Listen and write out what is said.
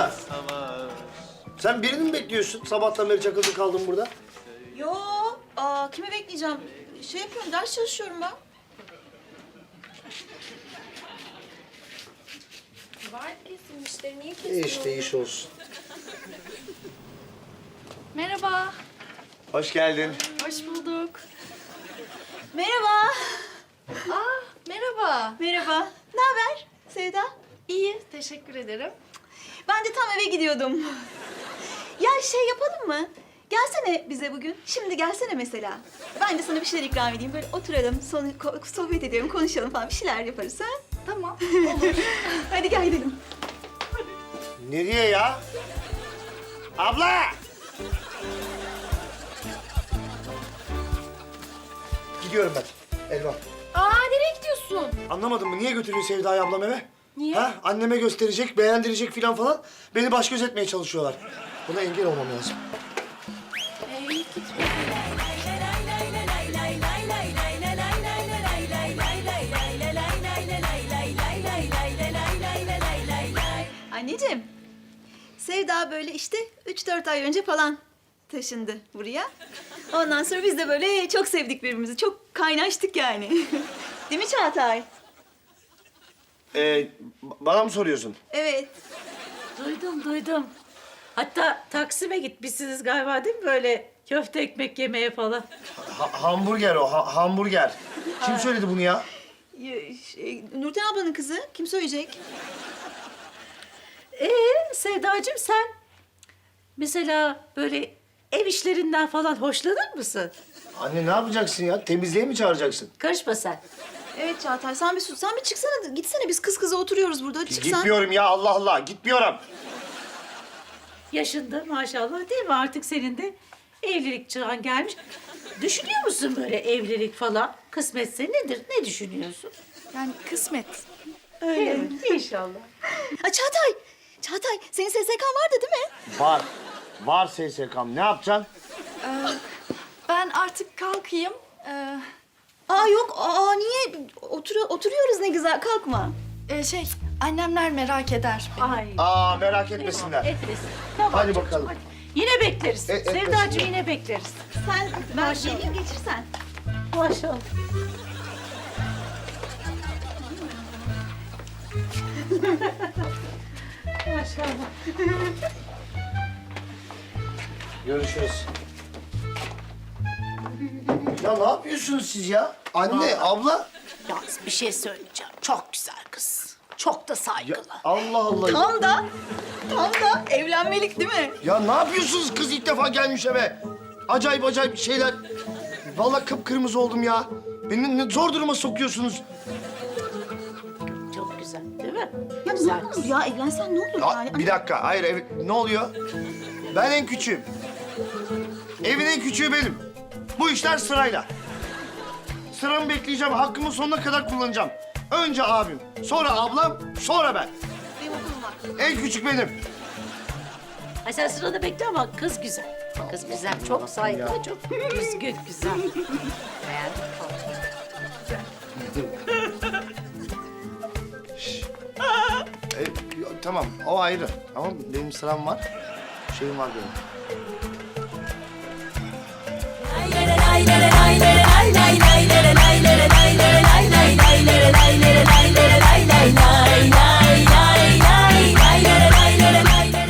abla. Sen birini mi bekliyorsun? Sabahtan beri çakıldı kaldın burada. Yo, kimi bekleyeceğim? Şey yapıyorum, ders çalışıyorum ben. Var kesin müşteri, niye kesin? İşte iş olsun. Merhaba. Hoş geldin. Hoş bulduk. Merhaba. Merhaba. Merhaba. Ne haber Sevda? İyi, teşekkür ederim. Ben de tam eve gidiyordum. Ya şey yapalım mı? Gelsene bize bugün. Şimdi gelsene mesela. Ben de sana bir şeyler ikram edeyim. Böyle oturalım, sohbet edelim, konuşalım falan. Bir şeyler yaparız ha? Tamam. Hadi gel gidelim. Nereye ya? Abla! Gidiyorum ben. Elvan. Nereye gidiyorsun? Anlamadın mı? Niye götürüyor Sevda'yı ablam eve? Niye? Ha? Anneme gösterecek, beğendirecek falan. Beni baş göz etmeye çalışıyorlar. Buna engel olmam lazım. Gitme. Anneciğim, Sevda böyle işte 3-4 ay önce falan taşındı buraya. Ondan sonra biz de böyle çok sevdik birbirimizi. Çok kaynaştık yani. Değil mi Çağatay? Bana mı soruyorsun? Evet. Duydum. Hatta Taksim'e gitmişsiniz galiba değil mi böyle köfte ekmek yemeye falan? Hamburger o, hamburger. Kim söyledi bunu ya? Nurten ablanın kızı. Kim söyleyecek? Sevdacığım sen mesela böyle ev işlerinden falan hoşlanır mısın? Anne ne yapacaksın ya? Temizliğe mi çağıracaksın? Karışma sen. Evet Çağatay, sen bir sus. Sen bir çıksana. Gitsene, biz kız kıza oturuyoruz burada. Hadi çıksan. Gitmiyorum ya, Allah Allah, gitmiyorum. Yaşında maşallah değil mi artık senin de evlilik çağın gelmiş. Düşünüyor musun böyle evlilik falan? Kısmetse nedir? Ne düşünüyorsun? Yani kısmet. Öyle mi? İnşallah. Çağatay, senin SSK'n vardı değil mi? Var. Var SSK'm. Ne yapacaksın? Ben artık kalkayım. Yok. Niye? Oturuyoruz ne güzel. Kalkma. Annemler merak eder beni. Ay. Merak etmesinler. Etmesin. Tamam Hadi çocuğum, bakalım. hadi. Yine bekleriz. Etmesinler. Sevdacığım yine bekleriz. Ben Maşallah. geleyim, geçirsen. Maşallah. Maşallah. Görüşürüz. Ya ne yapıyorsunuz siz ya? Anne, abla. Yalnız bir şey söyleyeceğim. Çok güzel kız. Çok da Ya, saygılı. Allah Allah. Tam da evlenmelik değil mi? Ya ne yapıyorsunuz? Kız ilk defa gelmiş eve. Acayip şeyler. Vallahi kıpkırmızı oldum ya. Beni ne zor duruma sokuyorsunuz. Çok güzel değil mi? Ya Güzel ne olur kız. ya, evlensen ne olur Ya, yani? bir dakika, hayır, ne oluyor? Ben en küçüğüm. Evin en küçüğü benim. Bu işler sırayla. Sıramı bekleyeceğim, hakkımı sonuna kadar kullanacağım. Önce abim, sonra ablam, sonra ben. Benim okulum var. En küçük benim. Ay sen sırada bekle ama kız güzel. Kız güzel, çok saygılı, çok düzgün, güzel. Beğendim. Tamam, o ayrı. Ama benim sıram var. Şeyim var benim. Lay lay lay lay lay.